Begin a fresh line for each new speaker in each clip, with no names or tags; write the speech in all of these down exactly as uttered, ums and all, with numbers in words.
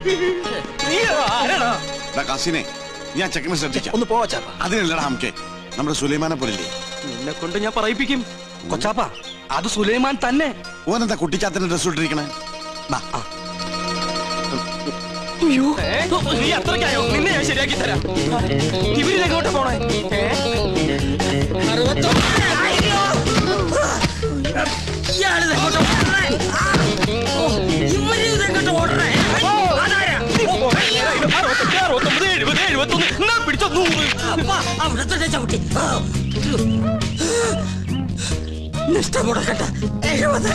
കസിനെ ഞാൻ ചെക്കനെ ശ്രദ്ധിക്കാം.
ഒന്ന് പോവാ ചാപ്പ.
അതിനല്ലടാ നമുക്ക് നമ്മുടെ സുലൈമാനെ പോലില്ലേ.
നിന്നെ കൊണ്ട് ഞാൻ പറയിപ്പിക്കും. കൊച്ചാപ്പ അത് സുലൈമാൻ തന്നെ.
ഓനെന്താ കുട്ടിച്ചാത്തന്റെ ഡ്രസ് ഇട്ടിരിക്കണേ?
നീ അത്രയ്ക്കായോ? നിന്നെ ഞാൻ ശരിയാക്കി തരാം. ഇവരിലെങ്ങോട്ട് പോണേ? പിടിച്ചോ നൂറ് നിഷ്ഠമുടക്കട്ടെ. എഴുപത്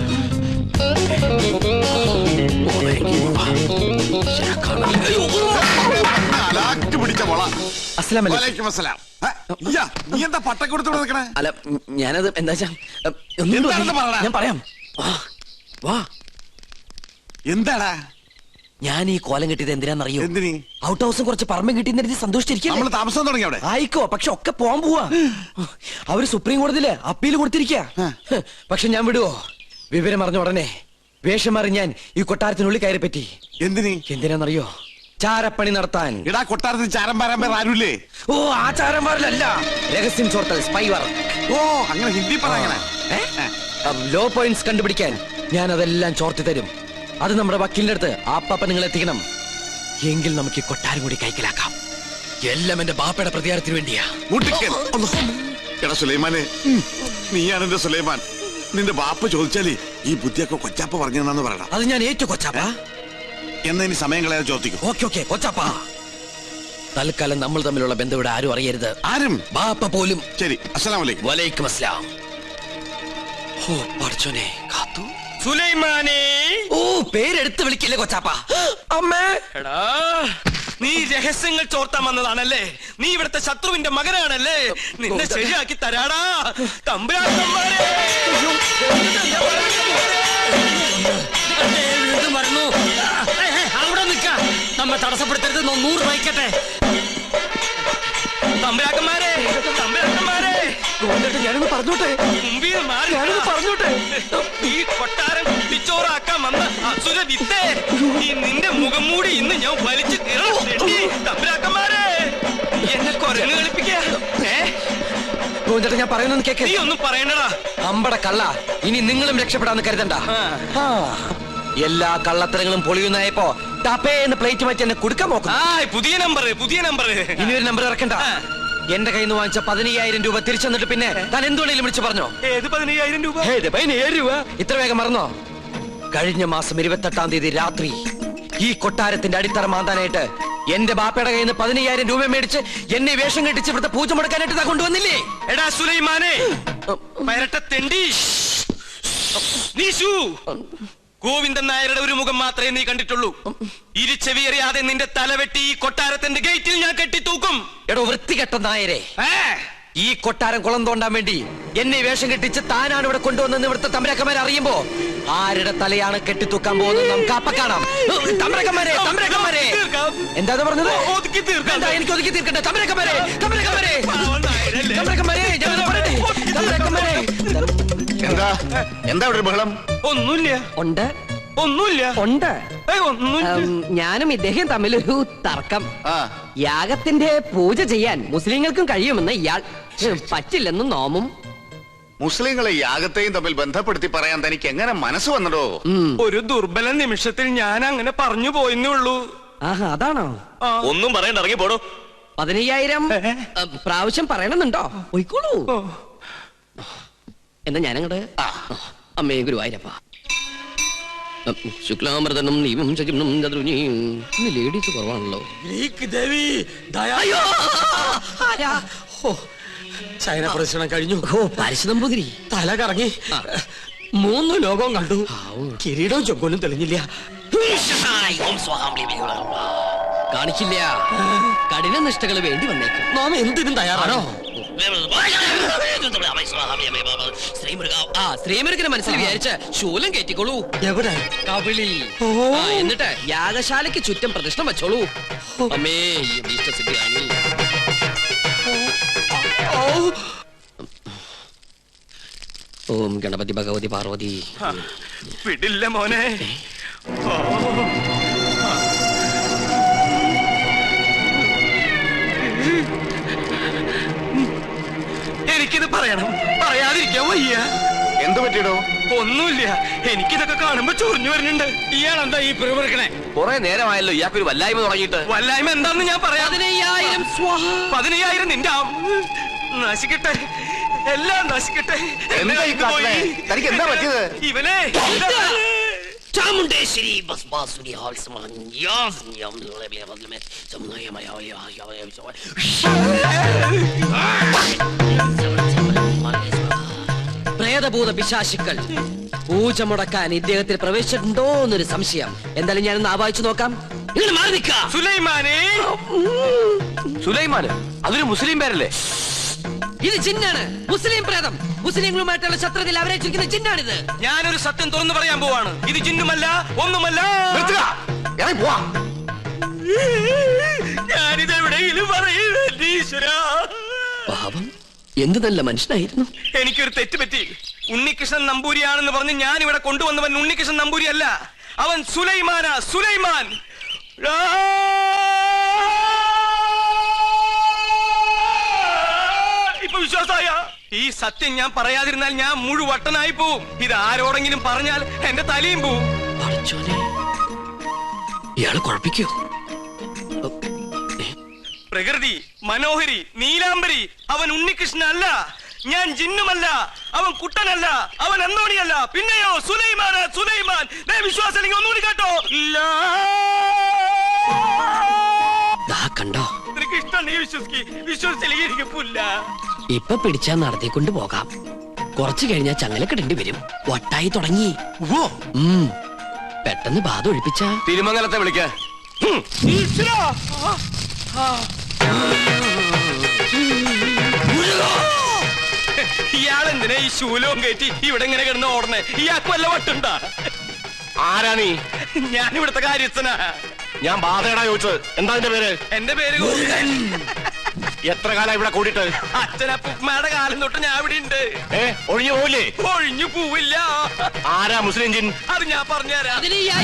നീ എന്താ പട്ടക്കൊടുത്ത് നിൽക്കണേ?
അല്ല ഞാനത് എന്താ ഞാൻ പറയാം. വാ.
എന്താടാ
ഞാൻ ഈ കോലം കിട്ടിയത് എന്തിനാന്നറിയോ?
എന്തിനീ?
ഔട്ട് ഹൗസും കുറച്ച് പറമ്പും കിട്ടിയെന്ന് സന്തോഷിച്ചിരിക്കും.
നമ്മള് താമസം തുടങ്ങി അവിടെ.
ആയിക്കോ, പക്ഷെ ഒക്കെ പോവാൻ പോവാ. അവര് സുപ്രീം കോടതിയില് അപ്പീൽ കൊടുത്തിരിക്ക. പക്ഷെ ഞാൻ വിടുവോ? വിവരം അറിഞ്ഞ ഉടനെ വേഷം മാറി ഞാൻ ഈ കൊട്ടാരത്തിനുള്ളിൽ കയറി പറ്റി.
എന്തിനീ?
എന്തിനാന്നറിയോ? ചാരപ്പണി നടത്താൻ.
ഇടാ കൊട്ടാരത്തിൽ ചാരം പാരാൻ പേർ ആരുല്ലേ?
ഓ ആ ചാരന്മാരിലല്ല, രഹസ്യം ചോർത്തൽ, സ്പൈ വർക്ക്.
ഓ അങ്ങനെ ഹിന്ദി പറയണേ.
ലോ പോയിന്റ്സ് കണ്ടുപിടിക്കാൻ ഞാൻ അതെല്ലാം ചോർത്തി തരും. അത് നമ്മുടെ വക്കീലിന്റെ അടുത്ത് ആപ്പാപ്പ നിങ്ങൾ എത്തിക്കണം. എങ്കിൽ നമുക്ക് ഈ കൊട്ടാരം കൂടി കൈക്കലാക്കാം. എല്ലാം എന്റെ ബാപ്പയുടെ പ്രതികാരത്തിന് വേണ്ടിയാ.
എടാ സുലൈമാനെ, നീയാണ് എന്റെ സുലൈമാൻ. നിന്റെ ബാപ്പ ചോദിച്ചാല് ഈ ബുദ്ധിയൊക്കെ കൊച്ചാപ്പ പറഞ്ഞെന്നു പറയണം.
അത് ഞാൻ ഏറ്റു കൊച്ചാപ്പ.
എന്നാ ഇനി സമയം കളയാതെ ചോദിക്കും.
ഓക്കെ ഓക്കെ കൊച്ചാപ്പ. തൽക്കാലം നമ്മൾ തമ്മിലുള്ള ബന്ധം ഇവിടെ ആരും അറിയരുത്.
ആരും?
ബാപ്പ പോലും.
ശരി. അസ്സലാമു അലൈക്കും.
വലൈക്കും അസ്സലാം. ഓ പഠിച്ചോനെ കാത്തു. സുലൈമാനെ. ഓ പേരെടുത്ത് വിളിക്കില്ലേ കൊച്ചാപ്പ. അമ്മേ. എടാ നീ രഹസ്യങ്ങൾ ചോർത്താൻ വന്നതാണല്ലേ? നീ ഇവിടുത്തെ ശത്രുവിന്റെ മകനാണല്ലേ? നിന്നെ ശരിയാക്കി തരാടാ തമ്പുരാക്കന്മാരെ. അവിടെ നിൽക്ക, നമ്മെ തടസ്സപ്പെടുത്തരുത്. നൂറ് വഹിക്കട്ടെ. തമ്പുരാക്കന്മാരെ, തമ്പുരാക്കന്മാരെ, ഞാനൊന്ന് പറഞ്ഞോട്ടെ. മുമ്പിൽ മാറി ഞാനൊന്ന് പറഞ്ഞോട്ടെ. ഈ കൊട്ടാരം കുട്ടിച്ചോറാക്കാൻ വന്ന അസുര വിത്തേ, ഈ നിന്റെ മുഖം മൂടി ഇന്ന് ഞാൻ വലിച്ചു കീറണം. തമ്പുരാക്കന്മാരെ, എന്നെ കൊരങ്ങ് കളിപ്പിക്കാ. ഞാൻ പറയുന്നത് കേക്ക്. നീ ഒന്നും പറയണ്ടടാ അമ്പട കള്ള. ഇനി നിങ്ങളും രക്ഷപ്പെടാന്ന് കരുതണ്ട. എല്ലാ കള്ളത്തരങ്ങളും പൊളിയുന്നായപ്പോ ടപ്പേന്ന് പ്ലേറ്റ് മാറ്റി എന്നെ കൊടുക്കാൻ നോക്കും. പുതിയ നമ്പർ പുതിയ നമ്പർ ഇനി ഒരു നമ്പർ ഇറക്കണ്ട. എന്റെ കയ്യിൽ നിന്ന് വാങ്ങിച്ച പതിനയ്യായിരം രൂപ തിരിച്ചു തന്നിട്ട് പിന്നെ താൻ എന്തുകൊണ്ടെങ്കിലും വിളിച്ചു പറഞ്ഞോ? ഏത് പതിനയ്യായിരം രൂപ? പതിനയ്യായിരം രൂപ ഇത്ര വേഗം മറന്നോ? കഴിഞ്ഞ മാസം ഇരുപത്തെട്ടാം തീയതി രാത്രി ഈ കൊട്ടാരത്തിന്റെ അടിത്തറ മാന്താനായിട്ട് എന്റെ ബാപ്പയുടെ കയ്യിൽ നിന്ന് പതിനയ്യായിരം രൂപ മേടിച്ച് എന്നെ വേഷം കെട്ടിച്ച് ഇവിടുത്തെ പൂജ മുടക്കാനായിട്ട് കൊണ്ടുവന്നില്ലേ? എടാ സുലൈമാനെ, തെണ്ടി. ഗോവിന്ദൻ നായരുടെ ഒരു മുഖം മാത്രമേ നീ കണ്ടിട്ടുള്ളൂ. ഇരുചെവിയറിയാതെ നിന്റെ തലവെട്ടി ഈ കൊട്ടാരത്തിന്റെ ഗേറ്റിൽ ഞാൻ കെട്ടിത്തൂക്കും. എടോ വൃത്തികെട്ട നായരെ, ഈ കൊട്ടാരം കുളം തോണ്ടാൻ വേണ്ടി എന്നെ വേഷം കെട്ടിച്ച് താനാണ് ഇവിടെ കൊണ്ടുവന്നെന്ന് ഇവിടുത്തെ തമ്പുരാക്കന്മാരെ അറിയുമ്പോ ആരുടെ തലയാണ് കെട്ടിത്തൂക്കാൻ പോകുന്നത് നമുക്ക് അപ്പ കാണാം. തമ്പുരാക്കന്മാരെ, തമ്പുരാക്കന്മാരെ, എന്താ പറഞ്ഞത്? എനിക്ക് ഒതുക്കി തീർക്കട്ടെ. തമ്പുരാക്കന്മാരെ, തമ്പുരാക്കന്മാരെ, തമ്പുരാക്കന്മാരെ, തമ്പുരാക്കന്മാരെ.
എന്താ എന്താ ഇവിടെ ബഹളം?
ഒന്നുമില്ല. ഉണ്ട് ഒന്നുമില്ല. ഉണ്ട് ഞാനും ഇദ്ദേഹം തമ്മിലൊരു തർക്കം. യാഗത്തിന്റെ പൂജ ചെയ്യാൻ മുസ്ലിങ്ങൾക്കും കഴിയുമെന്ന് ഇയാൾ പറ്റില്ലെന്ന് നോമും.
മുസ്ലിങ്ങളെ യാഗത്തെയും തമ്മിൽ ബന്ധപ്പെടുത്തി പറയാൻ തനിക്ക് എങ്ങനെ മനസ്സ് വന്നടോ?
ഒരു ദുർബല നിമിഷത്തിൽ ഞാൻ അങ്ങനെ പറഞ്ഞു പോയെന്നേ ഉള്ളൂ. ആഹാ അതാണോ? ഒന്നും പറയണ്ട, ഇറങ്ങി പോടോ. പതിനയ്യായിരം പ്രാവശ്യം പറയണമെന്നുണ്ടോ? പോയിക്കോളൂ. എന്നാ ഞാനങ്ങട് അമ്മേ ഗുരുവായൂരപ്പ. ശുക്ലാമൃതനും നീവും ശകിനും ചതുരുനിയും. ഇന്ന് ലേഡീസ് കുറവാണല്ലോ. ചൈന പ്രദർശനം കഴിഞ്ഞു. ഓ പരിശുദ്ധംപുതിരി തല കറങ്ങി. മൂന്ന് ലോകവും കണ്ടു. കിരീടവും ചൊക്കോലും തെളിഞ്ഞില്ല. കാണിക്കില്ല. കഠിന നിഷ്ഠകൾ വേണ്ടി വന്നേക്കും. നാം എന്തിനും തയ്യാറാണോ? ശ്രീമുരുകനെ മനസ്സിൽ വിചാരിച്ച് ശൂലം കയറ്റിക്കോളൂ. എവിടെ? കവിളിൽ. എന്നിട്ട് യാഗശാലയ്ക്ക് ചുറ്റും പ്രതിഷ്ഠ വെച്ചോളൂ. അമ്മേ ഇഷ്ടസിദ്ധിയാണ്. ഓം ഗണപതി ഭഗവതി പാർവതി. വിടില്ല മോനെ. വയ്യ.
എന്ത് പറ്റിയിടോ?
ഒന്നുമില്ല, എനിക്കിതൊക്കെ കാണുമ്പോ ചൊറിഞ്ഞു വരുന്നുണ്ട്.
ഇയാളെന്താ ഈ പിറുപിറുക്കണേ?
കുറെ നേരമായല്ലോ ഇയാൾക്കൊരു വല്ലായ്മ തുടങ്ങിയിട്ട്. വല്ലായ്മ എന്താണെന്ന് ഞാൻ പറയാം. പതിനയ്യായിരം പതിനയ്യായിരം നിന്റെ നശിക്കട്ടെ, എല്ലാം നശിക്കട്ടെ.
എന്താ ഈ കാട്ടണേ? തനിക്ക് എന്താ പറ്റിയത്?
ഇവനെ
ചാമുണ്ടേശ്വരി ഭസ്മാസുരി
പ്രേതഭൂത പിശാശുക്കൾ പൂജ മുടക്കാൻ ഇദ്ദേഹത്തിൽ പ്രവേശിച്ചിട്ടുണ്ടോ എന്നൊരു സംശയം. എന്തായാലും ഞാനൊന്ന് ആവാഹിച്ചു നോക്കാം. ഇങ്ങനെ മാറി നിൽക്ക.
സുലൈമാനെ. സുലൈമാന് അതൊരു മുസ്ലിം പേരല്ലേ?
ഇത് ജിന്നാണ്, മുസ്ലിം പ്രേതം. മുസ്ലിങ്ങളുമായിട്ടുള്ള ശത്രുതയിൽ അവരെ ചുരുക്കുന്ന ജിന്നാണിത്.
ഞാനൊരു സത്യം തുറന്നു പറയാൻ പോവാണ്. ഇത് ജിന്നുമല്ല, ഒന്നുമല്ല. ഞാനിത് എവിടെയെങ്കിലും പറയൂരാ.
പാവം, എന്ത് നല്ല മനുഷ്യനായിരുന്നു.
എനിക്കൊരു തെറ്റ് പറ്റി. ഉണ്ണികൃഷ്ണൻ നമ്പൂരിയാണെന്ന് പറഞ്ഞ് ഞാൻ ഇവിടെ കൊണ്ടുവന്നവൻ ഉണ്ണികൃഷ്ണൻ നമ്പൂരി അല്ല, അവൻ സുലൈമാനാ, സുലൈമാൻ. ഇപ്പൊ വിശ്വാസായ? ഈ സത്യം ഞാൻ പറയാതിരുന്നാൽ ഞാൻ മുഴുവട്ടനായി പോവും. ഇത് ആരോടെങ്കിലും പറഞ്ഞാൽ എന്റെ തലയും പോവും.
ഇയാള് കുഴപ്പിക്കോ?
പ്രകൃതി, മനോഹരി, നീലാംബരി, അവൻ ഉണ്ണികൃഷ്ണൻ അല്ല. ഞാൻ ജിന്നുമല്ല, അവൻ കുട്ടനല്ല, അവൻ അന്തോണിയല്ല. പിന്നെയോ സുലൈമാൻ, സുലൈമാൻ. വിശ്വാസം അല്ലെങ്കിൽ ഒന്നുകൂടി കേട്ടോ.
കണ്ടോ?
നിനക്ക് ഇഷ്ടം നീ വിശ്വസിക്ക്, വിശ്വസിച്ചില്ലെങ്കിൽ എനിക്ക് പുല്ല.
ഇപ്പൊ പിടിച്ചാ നടത്തിക്കൊണ്ട് പോകാം. കുറച്ചു കഴിഞ്ഞാൽ ചങ്ങലക്കിടേണ്ടി വരും. വട്ടായി തുടങ്ങി. പെട്ടെന്ന് ബാധ ഒഴിപ്പിച്ച
തിരുമംഗലത്തെ വിളിക്ക. ഇയാളെന്തിനാ ഈ ശൂലവും കയറ്റി ഇവിടെ ഇങ്ങനെ കിടന്ന് ഓടണേ? ഇയാൾക്ക് വല്ല വട്ടുണ്ടാ?
ആരാ നീ?
ഞാൻ ഇവിടുത്തെ കാര്യസ്ഥനാ.
ഞാൻ ബാധയടാ ചോദിച്ചത്. എന്താ എന്റെ പേര്?
എന്റെ പേര്
എത്ര കാലം ഇവിടെ കൂടിയിട്ട്?
അച്ഛനപ്പുമ്മയുടെ കാലം തൊട്ട് ഞാൻ ഇവിടെ ഉണ്ട്.
ഏ ഒഴിഞ്ഞു പോവില്ലേ?
ഒഴിഞ്ഞു പോവില്ല.
ആരാ മുസ്ലിം ജിൻ?
അത് ഞാൻ പറഞ്ഞുതരാം.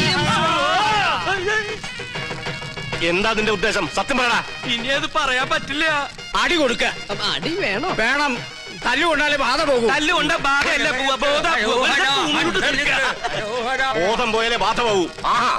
എന്താ അതിന്റെ ഉദ്ദേശം? സത്യം പറയടാ.
ഇനി അത് പറയാൻ പറ്റില്ല.
അടി കൊടുക്ക.
അടി വേണോ?
വേണം. തല്ലുകൊണ്ടാലേ ബാധ പോകും.
തല്ലുകൊണ്ട ബാധയല്ല പോവാ.
ബോധം പോയാലേ ബാധ പോകൂ. ആഹാ.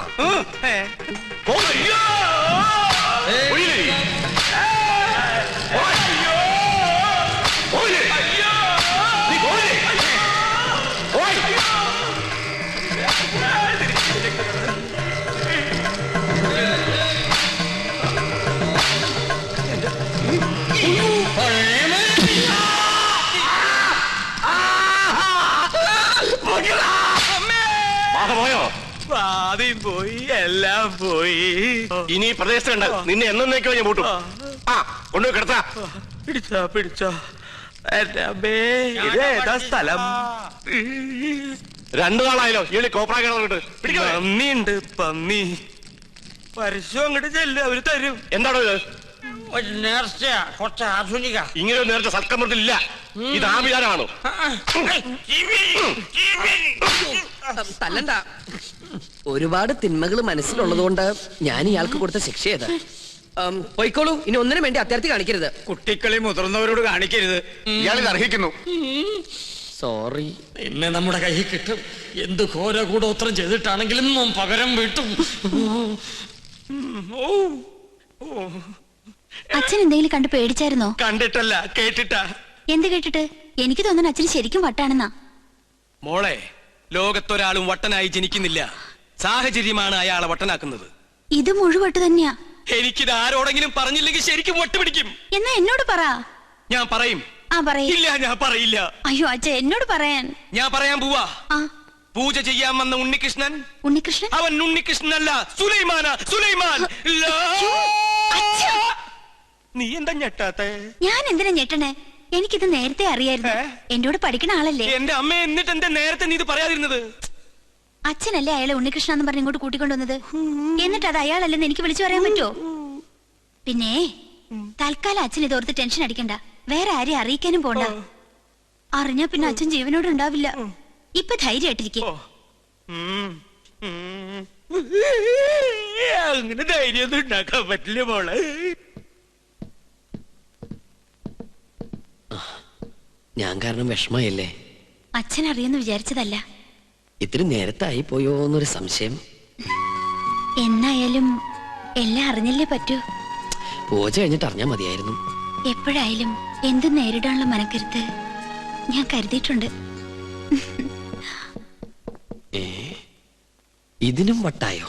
പോയോ?
ആദ്യം പോയി, എല്ലാം പോയി.
ഇനി പ്രദേശത്തുണ്ട്. നിന്നെ എന്നേക്കോ ഞാൻ പൂട്ടും. ആ കൊണ്ടുപോയി കിടത്താ.
പിടിച്ചോ പിടിച്ചോ. ഇതേതാ സ്ഥലം?
രണ്ടു നാളായാലോ ഈ കോപ്രാ കിടന്നിട്ട്.
പന്നിയുണ്ട്, പന്നി. പരസ്യം അങ്ങോട്ട് ചെല്ലും, അവര് തരും.
എന്താണോ ഇത്?
ഒരു നേർച്ചയാ, കുറച്ച് ആധുനിക.
ഇങ്ങനെ ഒരു നേരത്തെ സൽക്കമൃത്തിലില്ല. ഇത് ആഭിചാരമാണോ?
തല്ലണ്ട. ഒരുപാട് തിന്മകൾ മനസ്സിലുള്ളതുകൊണ്ട് ഞാൻ ഇയാൾക്ക് കൊടുത്ത ശിക്ഷ ഏത്? പോയിക്കോളൂ. ഇനി ഒന്നിനും വേണ്ടി അത്യാർത്ഥി കാണിക്കരുത്.
കുട്ടികളെ മുതിർന്നവരോട് കാണിക്കരുത്.
ഇയാളിത് അർഹിക്കുന്നു.
സോറി.
എന്നെ നമ്മുടെ കയ്യിൽ കിട്ടും. എന്ത് ഘോര കൂടോത്രം ചെയ്തിട്ടാണെങ്കിലും പകരം വീട്ടും.
അച്ഛൻ എന്തെങ്കിലും കണ്ട് പേടിച്ചായിരുന്നോ?
കണ്ടിട്ടല്ല, കേട്ടിട്ടാ.
എന്ത് കേട്ടിട്ട്? എനിക്ക് തോന്നുന്നു അച്ഛന് ശരിക്കും വട്ടാണെന്നാ.
മോളെ, ലോകത്തൊരാളും വട്ടനായി ജനിക്കുന്നില്ല. സാഹചര്യമാണ് അയാളെ വട്ടനാക്കുന്നത്.
ഇത് മുഴുവട്ട് തന്നെയാ.
എനിക്കിത് ആരോടെങ്കിലും പറഞ്ഞില്ലെങ്കിൽ ശരിക്കും വട്ട് പിടിക്കും.
എന്നാ എന്നോട് പറ.
ഞാൻ പറയും.
ആ പറയും.
ഇല്ല, ഞാൻ പറയില്ല.
അയ്യോ അച്ഛ, എന്നോട് പറയാൻ.
ഞാൻ പറയാൻ പോവാ.
ആ
പൂജ ചെയ്യാൻ വന്ന ഉണ്ണികൃഷ്ണൻ,
ഉണ്ണികൃഷ്ണൻ
അവൻ ഉണ്ണികൃഷ്ണനല്ല, സുലൈമാനാ, സുലൈമാൻ. നീ എന്താ ഞെട്ടാത്തെ?
ഞാൻ എന്തിനാ ഞെട്ടണേ? എനിക്കിത് നേരത്തെ അറിയായിരുന്നു. എന്നോട് പഠിക്കണ ആളല്ലേ.
എന്റെ അമ്മ, എന്നിട്ട് എന്താ നേരത്തെ നീ ഇത് പറയാതിരുന്നത്?
അച്ഛനല്ലേ അയാളെ ഉണ്ണികൃഷ്ണ എന്ന് പറഞ്ഞ് ഇങ്ങോട്ട് കൂട്ടിക്കൊണ്ടുവന്നത്. എന്നിട്ട് അത് അയാളല്ലെന്ന് എനിക്ക് വിളിച്ചു പറയാൻ പറ്റുമോ? പിന്നെ തൽക്കാലം അച്ഛൻ ഇതോർത്ത് ടെൻഷൻ അടിക്കണ്ട. വേറെ ആരെയും അറിയിക്കാനും പോണ്ട. അറിഞ്ഞാ പിന്നെ അച്ഛൻ ജീവനോട് ഉണ്ടാവില്ല. ഇപ്പൊ ധൈര്യമായിട്ടിരിക്കും.
അങ്ങനെ ധൈര്യമൊന്നും ഉണ്ടാക്കാൻ പറ്റില്ല മോളെ.
ഞാൻ കാരണം വിഷമയല്ലേ?
അച്ഛൻ അറിയെന്ന് വിചാരിച്ചതല്ല.
ഇത്തിരി നേരത്തായി പോയോ എന്നൊരു സംശയം.
എന്നായാലും എല്ലാം അറിഞ്ഞല്ലേ പറ്റൂ.
പൂജ കഴിഞ്ഞിട്ട് അറിഞ്ഞാൽ മതിയായിരുന്നു.
എപ്പോഴായാലും എന്തും നേരിടാനുള്ള മനക്കരുത്ത് ഞാൻ കരുതിയിട്ടുണ്ട്.
ഏ ഇതിനും വട്ടായോ?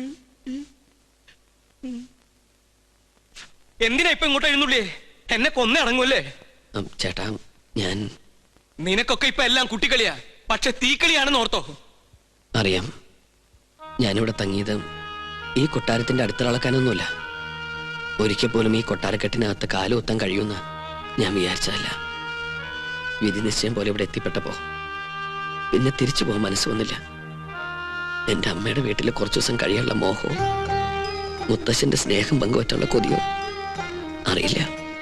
എന്തിനാ ഇപ്പൊ ഇങ്ങോട്ട് എഴുന്നള്ളിയേ? എന്നെ കൊന്നേ അടങ്ങൂല്ലേ?
ഉം, ചേട്ടാ ഞാൻ
നിനക്കൊക്കെ ഇപ്പൊ എല്ലാം കുട്ടിക്കളിയാ, പക്ഷെ തീക്കളിയാണെന്ന് ഓർത്തോ.
അറിയാം. ഞാനിവിടെ തങ്ങിയത് ഈ കൊട്ടാരത്തിന്റെ അടുത്തിളക്കാനൊന്നുമില്ല. ഒരിക്കൽ പോലും ഈ കൊട്ടാരക്കെട്ടിനകത്ത് കാലുകുത്താൻ കഴിയുമെന്ന് ഞാൻ വിചാരിച്ചതല്ല. വിധി നിശ്ചയം പോലെ ഇവിടെ എത്തിപ്പെട്ടപ്പോ പിന്നെ തിരിച്ചു പോകാൻ മനസ്സ് വന്നില്ല. എന്റെ അമ്മയുടെ വീട്ടിൽ കുറച്ചു ദിവസം കഴിയാനുള്ള മോഹവും മുത്തശ്ശന്റെ സ്നേഹം പങ്കുവറ്റുള്ള കൊതിയോ അറിയില്ല.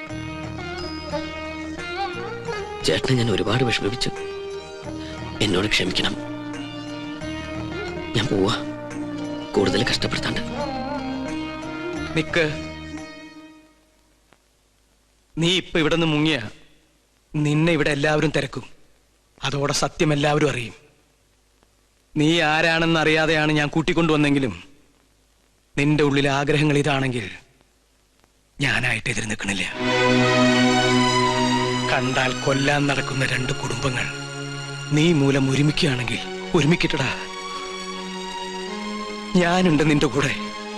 ചേട്ടനെ ഞാൻ ഒരുപാട് വിഷമിപ്പിച്ചു. എന്നോട് ക്ഷമിക്കണം. ഞാൻ പോവാ, കൂടുതൽ കഷ്ടപ്പെടുത്താണ്ട്.
നിക്ക്, നീ ഇപ്പൊ ഇവിടെ നിന്ന് മുങ്ങിയ നിന്നെ ഇവിടെ എല്ലാവരും തിരക്കും. അതോടെ സത്യം എല്ലാവരും അറിയും. നീ ആരാണെന്ന് അറിയാതെയാണ് ഞാൻ കൂട്ടിക്കൊണ്ടുവന്നെങ്കിലും നിന്റെ ഉള്ളിലെ ആഗ്രഹങ്ങൾ ഇതാണെങ്കിൽ ഞാനായിട്ട് എതിര് നിൽക്കണില്ല. കണ്ടാൽ കൊല്ലാൻ നടക്കുന്ന രണ്ട് കുടുംബങ്ങൾ നീ മൂലം ഒരുമിക്കുകയാണെങ്കിൽ ഒരുമിക്കട്ടടാ. ഞാനുണ്ട് നിന്റെ കൂടെ.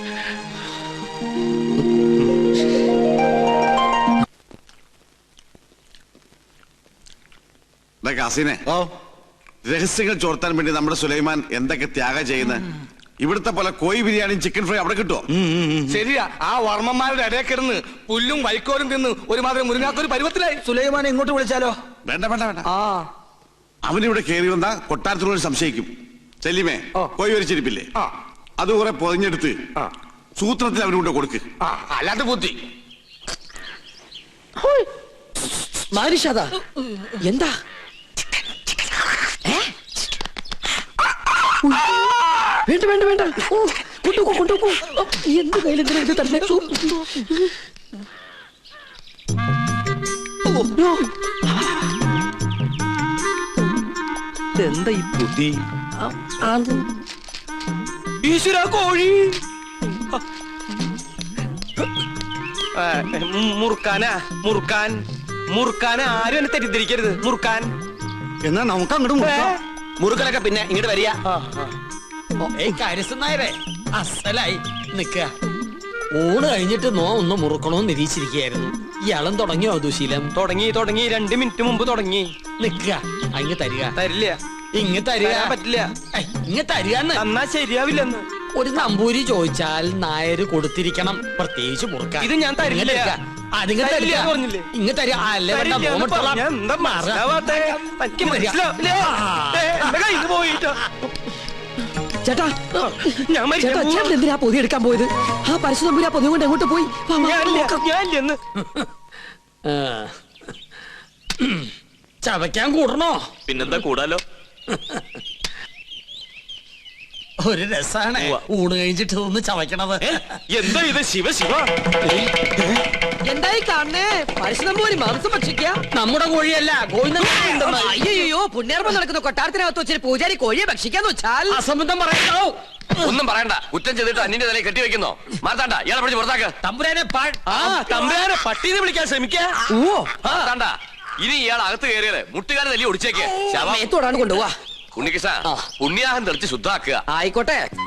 കാസിനെ, രഹസ്യങ്ങൾ ചോർത്താൻ വേണ്ടി നമ്മുടെ സുലൈമാൻ എന്തൊക്കെ ത്യാഗം ചെയ്യുന്നത്. ഇവിടുത്തെ പോലെ കോഴി ബിരിയാണിയും ചിക്കൻ ഫ്രൈ അവിടെ കിട്ടുമോ?
ശരിയാ, ആ വർമ്മന്മാരുടെ ഇടയിൽ കിടന്ന് പുല്ലും വൈക്കോലും തിന്ന് ഒരുമാതിരി മുരുങ്ങാത്തൊരു പരുവത്തിലായി. സുലൈമാനെ ഇങ്ങോട്ട് വിളിച്ചാലോ?
വേണ്ട വേണ്ട വേണ്ട. അവനിവിടെ കയറി വന്നാ കൊട്ടാരത്തിനോട് സംശയിക്കും. ചെല്ലിമേ, കോഴി വരിച്ചിരിപ്പില്ലേ, അത് കുറെ പൊതിഞ്ഞെടുത്ത് സൂത്രത്തിൽ അവനുകൊണ്ട് കൊടുക്ക്.
അല്ലാത്ത ബുദ്ധി.
മാരിഷാദാ, എന്താ? വേണ്ട വേണ്ട വേണ്ട, കൊണ്ടുപോ കൊണ്ടുപോ. എന്ത് കയ്യിലെന്തിനാ ഇത് തന്നെ? എന്താ ഈ ബുദ്ധി?
ഈശ്വര, കോഴി മുറുക്കാനാ? മുറുക്കാൻ മുറുക്കാൻ ആരും എന്നെ തെറ്റിദ്ധരിക്കരുത്. മുറുക്കാൻ
എന്നാ നമുക്ക് അങ്ങോട്ട്
മുറുക്കലൊക്കെ പിന്നെ ഇങ്ങോട്ട് വരിക.
കാര്യസ്ഥനായരെ അസലായി നിക്ക. ഊണ് കഴിഞ്ഞിട്ട് നോ ഒന്ന് മുറുക്കണോന്ന് നിരീക്ഷിച്ചിരിക്കുകയായിരുന്നു. ഇയാളും തുടങ്ങിയോ ദുശീലം?
തുടങ്ങി തുടങ്ങി രണ്ട് മിനിറ്റ് മുമ്പ് തുടങ്ങി.
നിക്ക, അങ്ങ് തരിക.
തരില്ല.
ഇങ്ങ് തരിക.
പറ്റില്ല.
ഇങ്ങ് തരികന്ന്.
എന്നാ ശരിയാവില്ലെന്ന്.
ഒരു നമ്പൂരി ചോദിച്ചാൽ നായര് കൊടുത്തിരിക്കണം, പ്രത്യേകിച്ച് മുറുക്കാൻ.
ഇത് ഞാൻ തരില്ല.
അതിങ്ങ് തരില്ല
പറഞ്ഞില്ലേ?
ഇങ്ങ് തരിക. അല്ലേ വേണ്ട,
ചേട്ടാ,
ഞാൻ
ചേട്ടാ, ചേട്ടൻ എന്തിനാ പൊതി എടുക്കാൻ പോയത്? ആ പരശുതമ്പുരി ആ പൊതി കൊണ്ട് എങ്ങോട്ട് പോയി?
ചവയ്ക്കാൻ കൂടണോ?
പിന്നെന്താ കൂടാലോ.
ഒരു രസാണ് ഊണ് കഴിഞ്ഞിട്ട് ഒന്ന് ചവയ്ക്കണത്.
എന്താ ഇത്? ശിവ ശിവ,
എന്തായി കാണണേ? പരശുതമ്പൂരി മാംസം ഭക്ഷിക്കുക?
നമ്മുടെ കോഴിയല്ല, കോഴി.
അയ്യോ, പുണ്യാർമ്മം നടക്കുന്ന കൊട്ടാരത്തിനകത്ത് വെച്ചിട്ട് പൂജാരി കോഴിയെ ഭക്ഷിക്കാന്ന് വെച്ചാൽ
അസംബന്ധം പറയണോ?
ഒന്നും പറയണ്ട. കുറ്റം ചെയ്തിട്ട് അന്യന്റെ തലയിൽ കെട്ടിവെക്കുന്നോ? മാർത്താണ്ട, ഇയാളെ പിടിച്ച് പുറത്താക്ക്.
തമ്പുരാനെ
തമ്പുരാനെ പട്ടീനെ വിളിക്കാൻ ശ്രമിക്കാ.
ഓ
മാർത്താണ്ട, ഇനി ഇയാൾ അകത്ത് കയറിയത് മുട്ടുകാരെ തല്ലി ഒടിച്ചേക്ക്.
മേത്തോടാണ് കൊണ്ടുപോവാ.
ഉണ്ണികൃഷ്ണ, പുണ്യാഹം തെളിച്ച് ശുദ്ധാക്കുക.
ആയിക്കോട്ടെ.